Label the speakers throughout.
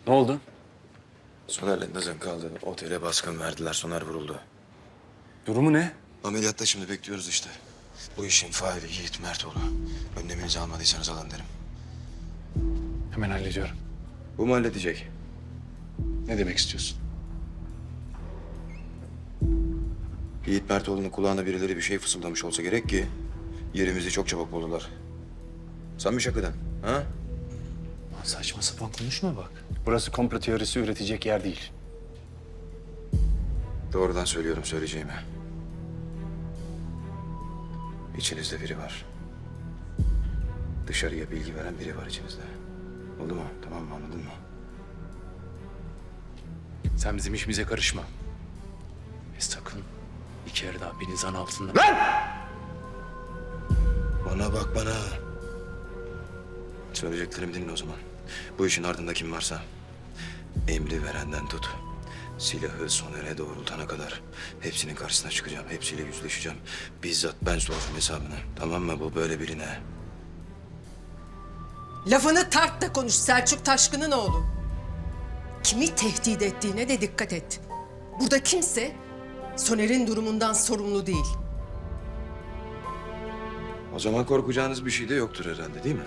Speaker 1: Ne oldu?
Speaker 2: Soner'le Nazan kaldı. Otele baskın verdiler. Soner vuruldu.
Speaker 1: Durumu ne?
Speaker 2: Ameliyatta şimdi bekliyoruz işte. Bu işin faili Yiğit Mertoğlu. Önleminizi almadıysanız alın derim.
Speaker 1: Hemen hallediyorum.
Speaker 2: Bu mu halledecek?
Speaker 1: Ne demek istiyorsun?
Speaker 2: Yiğit Mertoğlu'nun kulağına birileri bir şey fısıldamış olsa gerek ki... ...yerimizi çok çabuk buldular. Sen mi şakadan? Ha?
Speaker 1: Lan saçma sapan konuşma bak. Burası komplo teorisi üretecek yer değil.
Speaker 2: Doğrudan söylüyorum söyleyeceğimi. İçinizde biri var. Dışarıya bilgi veren biri var içinizde. Oldu mu? Tamam mı? Anladın mı?
Speaker 1: Sen bizim işimize karışma. Ve sakın bir kere daha beni zan altında...
Speaker 2: Bana bak bana. Söyleyeceklerimi dinle o zaman. Bu işin ardında kim varsa... ...emri verenden tut. Silahı Soner'e doğrultana kadar... ...hepsinin karşısına çıkacağım. Hepsiyle yüzleşeceğim. Bizzat ben soracağım hesabını. Tamam mı? Bu böyle birine.
Speaker 3: Lafını tart da konuş Selçuk Taşkın'ın oğlu. Kimi tehdit ettiğine de dikkat et. Burada kimse Soner'in durumundan sorumlu değil.
Speaker 2: O zaman korkacağınız bir şey de yoktur herhalde değil mi?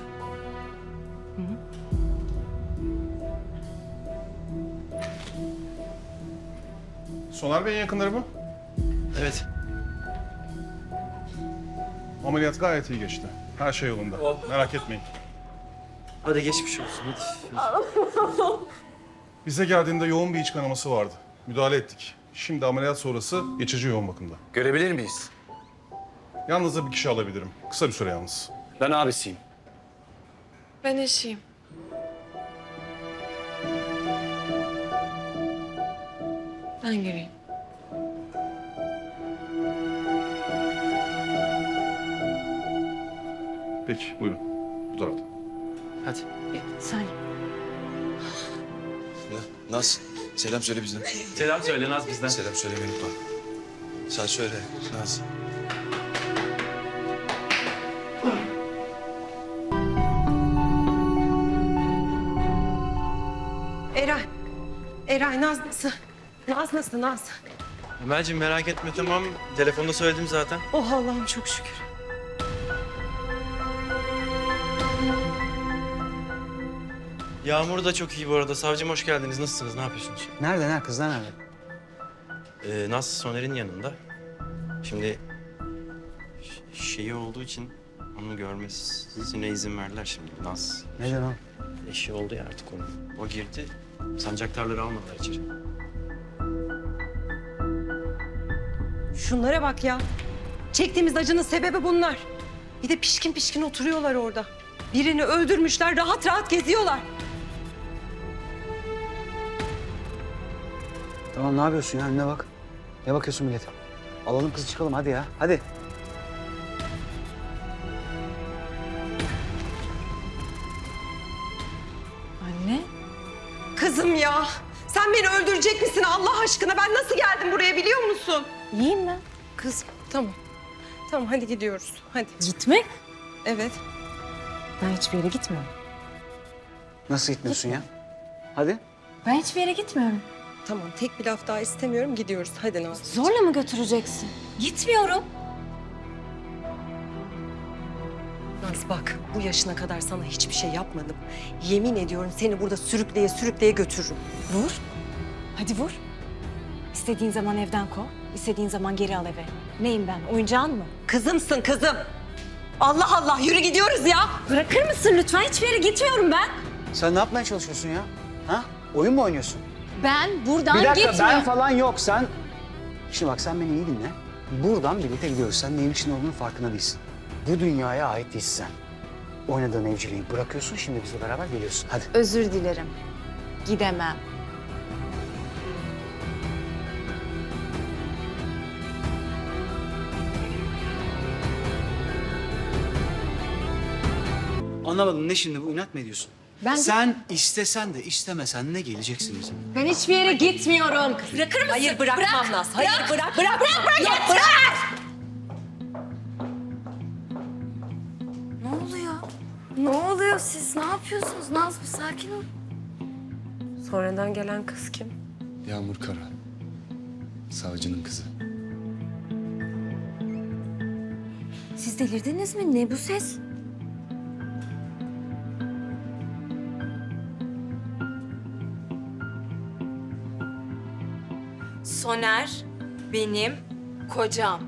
Speaker 4: Soner Bey'in yakınları mı?
Speaker 5: Evet.
Speaker 4: Ameliyat gayet iyi geçti. Her şey yolunda. Merak etmeyin.
Speaker 5: Hadi geçmiş olsun. Hadi.
Speaker 4: Bize geldiğinde yoğun bir iç kanaması vardı. Müdahale ettik. Şimdi ameliyat sonrası geçici yoğun bakımda.
Speaker 1: Görebilir miyiz?
Speaker 4: Yalnızca bir kişi alabilirim. Kısa bir süre yalnız.
Speaker 1: Ben abisiyim.
Speaker 6: Ben eşiyim. Ben gireyim.
Speaker 4: Peki, buyurun. Bu tarafta.
Speaker 5: Hadi.
Speaker 6: Sen.
Speaker 2: Naz, selam söyle bizden.
Speaker 5: Selam söyle Naz bizden.
Speaker 2: Selam söylemeyi unutma. Sen söyle Naz.
Speaker 3: Eray. Eray Naz nasıl? Naz nasıl Naz?
Speaker 5: Emel'cim merak etme tamam. Telefonda söyledim zaten.
Speaker 3: Oh Allah'ım çok şükür.
Speaker 5: Yağmur da çok iyi bu arada. Savcım hoş geldiniz. Nasılsınız? Ne yapıyorsunuz?
Speaker 7: Nerede? Kızlar nerede?
Speaker 5: Naz Soner'in yanında. Şimdi şeyi olduğu için onu görmesine izin verdiler şimdi. Naz
Speaker 7: Neden o?
Speaker 5: eşi oldu ya artık onun. O girdi. Sancaktarları almadılar içeri.
Speaker 3: Şunlara bak ya. Çektiğimiz acının sebebi bunlar. Bir de pişkin pişkin oturuyorlar orada. Birini öldürmüşler, rahat rahat geziyorlar.
Speaker 7: Tamam ne yapıyorsun ya? Önüne bak. Ne bakıyorsun millete? Alalım kızı çıkalım hadi ya. Hadi.
Speaker 6: Anne.
Speaker 3: Kızım ya, sen beni öldürecek misin Allah aşkına? Ben nasıl geldim buraya biliyor musun?
Speaker 6: İyiyim ben.
Speaker 3: Kızım, tamam. Tamam, hadi gidiyoruz. Hadi.
Speaker 6: Gitmek?
Speaker 3: Evet.
Speaker 6: Ben hiçbir yere gitmiyorum.
Speaker 7: Nasıl gitmiyorsun ya? Hadi.
Speaker 6: Ben hiçbir yere gitmiyorum.
Speaker 3: Tamam, tek bir laf daha istemiyorum. Gidiyoruz. Hadi Naz.
Speaker 6: Zorla mı götüreceksin? Gitmiyorum.
Speaker 3: Naz bak, bu yaşına kadar sana hiçbir şey yapmadım. Yemin ediyorum seni burada sürükleye sürükleye götürürüm.
Speaker 6: Vur. Hadi vur. İstediğin zaman evden kov, istediğin zaman geri al eve. Neyim ben, oyuncağın mı?
Speaker 3: Kızımsın kızım. Allah Allah, yürü gidiyoruz ya.
Speaker 6: Bırakır mısın lütfen? Hiçbir yere gitmiyorum ben.
Speaker 7: Sen ne yapmaya çalışıyorsun ya? Ha? Oyun mu oynuyorsun?
Speaker 6: Ben buradan
Speaker 7: Bir dakika
Speaker 6: gitmiyorum.
Speaker 7: ben falan yok sen. Şimdi bak sen beni iyi dinle. Buradan birlikte gidiyoruz. Sen neyin için olduğunun farkında değilsin. Bu dünyaya ait değilsin sen. Oynadığın evciliği bırakıyorsun şimdi bizle beraber geliyorsun. Hadi.
Speaker 6: Özür dilerim. Gidemem.
Speaker 7: Anlamadım ne şimdi bu inat mı ediyorsun?
Speaker 6: Ben-
Speaker 7: Sen istesen de istemesen ne geleceksin bizim?
Speaker 6: Ben hiçbir yere gitmiyorum. Bırakır mısın?
Speaker 3: Hayır bırakmam Naz. Hayır bırak.
Speaker 6: Bırak. Ya bırak.
Speaker 8: Ne oluyor? Ne oluyor siz? Ne yapıyorsunuz? Naz bir sakin ol. Sonradan gelen kız kim?
Speaker 9: Yağmur Kara. Savcının kızı.
Speaker 6: Siz delirdiniz mi? Ne bu ses?
Speaker 10: Soner benim kocam.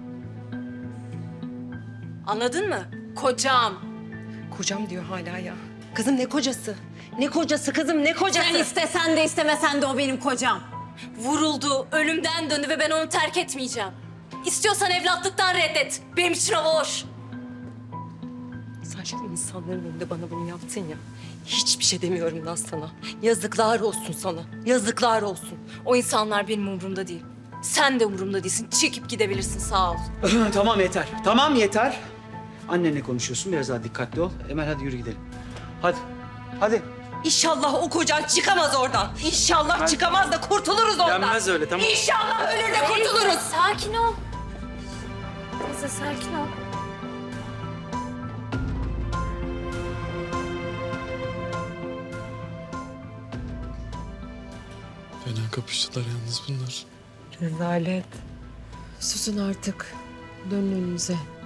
Speaker 10: Anladın mı? Kocam.
Speaker 8: Kocam diyor hala ya. Kızım ne kocası? Ne kocası kızım ne kocası?
Speaker 10: Sen istesen de istemesen de o benim kocam. Vuruldu, ölümden döndü ve ben onu terk etmeyeceğim. İstiyorsan evlatlıktan reddet. Benim için o boş.
Speaker 8: Sen şimdi insanların önünde bana bunu yaptın ya. Hiçbir şey demiyorum lan sana. Yazıklar olsun sana. Yazıklar olsun.
Speaker 10: O insanlar benim umurumda değil. Sen de umurumda değilsin. Çekip gidebilirsin, sağ ol.
Speaker 7: Tamam yeter. Tamam yeter. Annenle konuşuyorsun. Biraz daha dikkatli ol. Emel hadi yürü gidelim. Hadi. Hadi.
Speaker 8: İnşallah o kocan çıkamaz oradan. İnşallah çıkamaz da kurtuluruz ondan.
Speaker 5: Denmez öyle, tamam.
Speaker 8: İnşallah ölür de kurtuluruz.
Speaker 10: Sakin ol. Teyze sakin ol.
Speaker 9: Fena kapıştılar yalnız bunlar.
Speaker 8: Rezalet. Susun artık. Dönün önünüze.